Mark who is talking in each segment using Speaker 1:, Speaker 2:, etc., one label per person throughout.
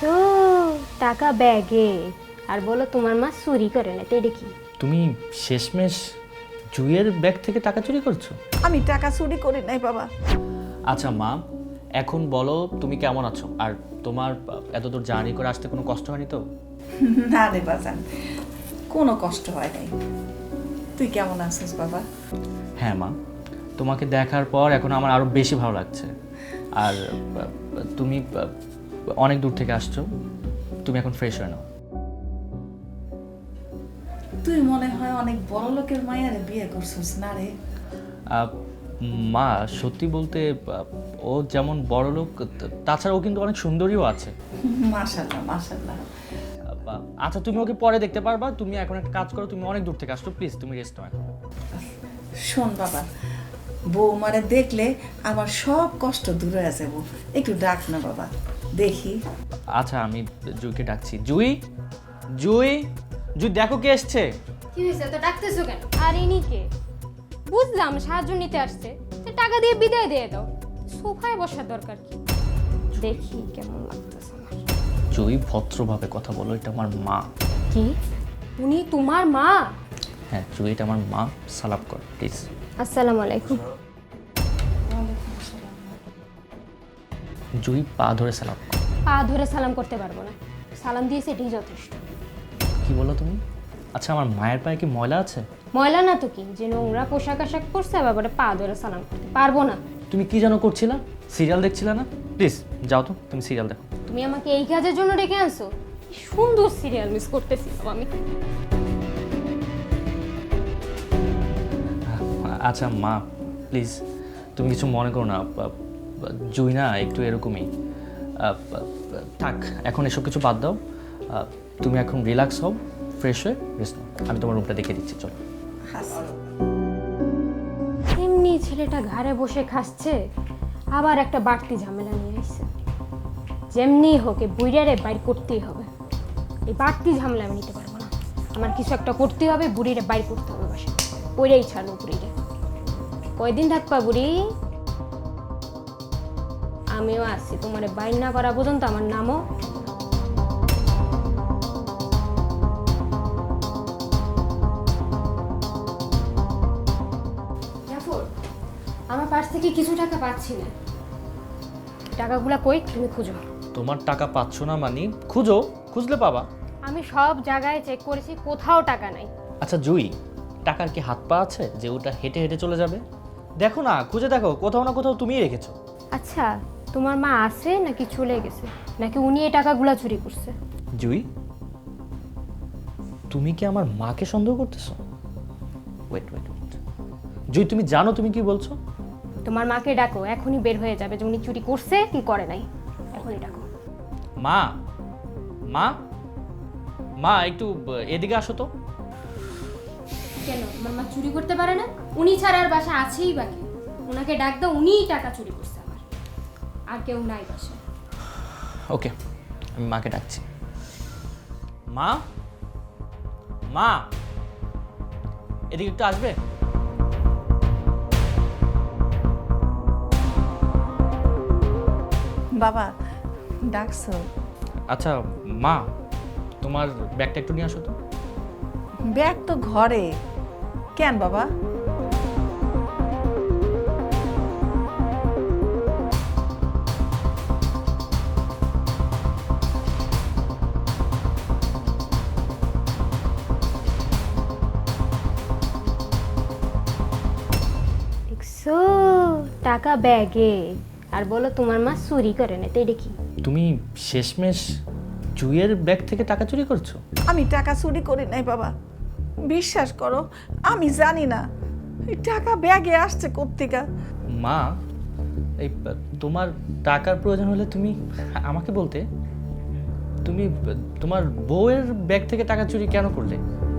Speaker 1: দেখছো টাকা ব্যাগে আর বলো তোমার মা চুরি করে না, তো এটা কি?
Speaker 2: তুমি শেষমেশ জুইয়ের ব্যাগ থেকে টাকা চুরি করছো?
Speaker 3: আমি টাকা চুরি করি নাই বাবা।
Speaker 2: আচ্ছা মা, এখন বলো তুমি কেমন আছো, আর তোমার এতদূর জার্নি করে আসতে কোনো কষ্ট হয়নি তো?
Speaker 3: না রে বাজান, কোনো কষ্ট হয় নাই। তুই কেমন আছিস বাবা?
Speaker 2: হ্যাঁ মা, তোমাকে দেখার পর এখন আমার আরও বেশি ভালো লাগছে। আর তুমি অনেক দূর থেকে আসছো, তুমি এখন ফ্রেশ হয়ে নাও।
Speaker 3: তুই মনে হয় অনেক বড় লোকের মায়ারে বিয়ে করছিস না রে?
Speaker 2: মা সত্যি বলতে ও যেমন বড় লোক, তাছাড়া ও কিন্তু অনেক সুন্দরীও আছে।
Speaker 3: মাশাআল্লাহ মাশাআল্লাহ।
Speaker 2: আচ্ছা তুমি ওকে পরে দেখতে পারবা, তুমি এখন একটা কাজ করো, তুমি অনেক দূর থেকে আসছো, প্লিজ তুমি রেস্ট নাও এখন।
Speaker 3: শোন বাবা, বৌমারে দেখলে আমার সব কষ্ট দূরে হয়ে যাবো, একটু ডাক না বাবা, দেখি।
Speaker 2: আচ্ছা আমি জুইকে ডাকছি। জুই, জুই, জুই দেখো কে এসছে।
Speaker 1: কি হয়েছে, তো ডাকতেছো কেন? আর ইনি কে? বুঝলাম সাহায্য নিতে আসছে, তো টাকা দিয়ে বিদায় দিয়ে দাও, সোফায় বসার দরকার কি? দেখি কেমন লাগতেছে আমার।
Speaker 2: জুই ভদ্রভাবে কথা বলো, এটা আমার মা।
Speaker 1: কি? উনি তোমার মা?
Speaker 2: হ্যাঁ জুই, এটা আমার মা, সালাম কর প্লিজ।
Speaker 1: আসসালামু আলাইকুম।
Speaker 2: জুই পা ধরে সালাম কর।
Speaker 1: পা ধরে সালাম করতে পারবো না, সালাম দিয়েছে এটাই যথেষ্ট।
Speaker 2: কি বলো তুমি? আচ্ছা আমার মায়ের পায়ে কি ময়লা আছে?
Speaker 1: ময়লা না তো কি, যে নোংরা পোশাক আশাক পরছে আবার পা ধরে সালাম করতে পারবো না।
Speaker 2: তুমি কি যেন করছিলা? সিরিয়াল দেখছিলা না? প্লিজ যাও তো, তুমি সিরিয়াল দেখো।
Speaker 1: তুমি আমাকে এই কাজের জন্য ডেকে আনছো? কি সুন্দর সিরিয়াল মিস করতেছিলাম আমি।
Speaker 2: আচ্ছা মা প্লিজ তুমি কিছু মনে করো না, জুই না একটু এরকমই। থাক এখন এসব কিছু বাদ দাও, তুমি এখন রিল্যাক্স হও, ফ্রেশ হয়ে রেস্ট নাও। আমি তোমার রুমটা দেখে দিচ্ছি, চলো।
Speaker 1: এমনি ছেলেটা ঘরে বসে খাচ্ছে, আবার একটা বাড়তি ঝামেলা নিয়ে আসছে। যেমনি হোক এই বুড়িয়ারে বাইর করতেই হবে। এই বাড়তি ঝামেলা আমি নিতে পারবো না, আমার কিছু একটা করতে হবে, বুড়িরে বাইর করতে হবে বাসা। ওইটাই ছাড়ো বুড়িরে। কয়দিন থাকবা বুড়ি? আমিও আসছি, তোমার বাইর না করা পর্যন্ত আমার নামও। আমার পাশ থেকে কিছু টাকা পাচ্ছি না, টাকাগুলা কই? তুমি খুঁজো।
Speaker 2: তোমার টাকা পাচ্ছ না মানে? খুঁজো, খুঁজলে পাবা।
Speaker 1: আমি সব জায়গায় চেক করেছি, কোথাও টাকা নাই।
Speaker 2: আচ্ছা জুই, টাকার কি হাত পা আছে যে ওটা হেঁটে হেঁটে চলে যাবে? দেখো না, খুঁজে দেখো, কোথাও না কোথাও তুমিই রেখেছো।
Speaker 1: আচ্ছা তোমার মা আছে নাকি চলে গেছে, নাকি উনি এই টাকাগুলা চুরি করছে?
Speaker 2: জুই, তুমি কি আমার মাকে সন্দেহ করতেছো? ওয়েট ওয়েট ওয়েট, জুই তুমি জানো তুমি কি বলছো?
Speaker 1: তোমার মাকে ডাকো, এখনই বের হয়ে যাবে যে উনি চুরি করছে কি করে নাই। এখনই ডাকো।
Speaker 2: মা, মা, মা একটু এদিকে আসো তো।
Speaker 1: কেন আমার মা চুরি করতে পারে না? উনি ছাড়া আর বাসা আছেই বাকি, ওনাকে ডাক দাও, উনিই টাকা চুরি করছে আমার, আর কেউ নাই বাসা।
Speaker 2: ওকে আমি মাকে ডাকছি। মা, মা এদিকে একটু আসবে?
Speaker 3: বাবা ডাকছো?
Speaker 2: আচ্ছা মা, তোমার ব্যাগটা একটু নিয়ে আসো তো।
Speaker 3: ব্যাগ তো ঘরে। কেন বাবা?
Speaker 1: দেখছো টাকা ব্যাগে, আর বলো তোমার মা চুরি করে না, তো এটা কি?
Speaker 2: তুমি শেষমেশ জুইয়ের ব্যাগ থেকে টাকা চুরি করছো?
Speaker 3: আমি টাকা চুরি করি নাই বাবা, বিশ্বাস করো আমি জানি না এই টাকা ব্যাগে আসছে কোত্থেকে।
Speaker 2: মা এই তোমার টাকার প্রয়োজন হলে তুমি আমাকে বলতে। তুমি তোমার বউয়ের ব্যাগ থেকে টাকা চুরি কেন করলে?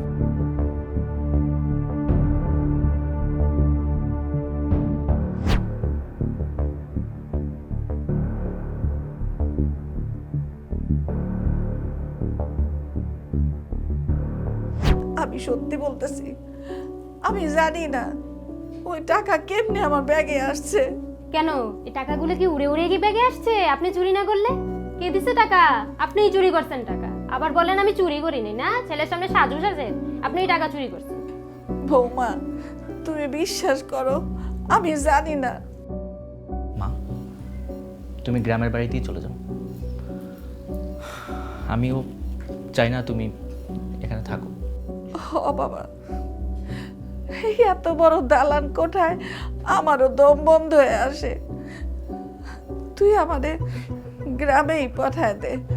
Speaker 3: আমি সত্যি বলতেছি, আমি জানি না ওই টাকা কেমনে আমার ব্যাগে আসছে।
Speaker 1: কেন এই টাকাগুলো কি উড়ে উড়ে কি ব্যাগে আসছে আপনি চুরি না করলে? কে দিছে টাকা? আপনিই চুরি করছেন টাকা। আবার বলেন আমি চুরি করিনি না, ছেলের সামনে সাজু সাজেন, আপনিই টাকা চুরি করছেন।
Speaker 3: বৌমা তুমি বিশ্বাস করো আমি জানি না।
Speaker 2: মা, তুমি গ্রামের বাড়িতেই চলে যাও। আমিও চাই না তুমি এখানে থাকো।
Speaker 3: ও বাবা, এই এত বড় দালান কোঠায় আমারও দম বন্ধ হয়ে আসে। তুই আমাদের গ্রামেই পাঠায় দে।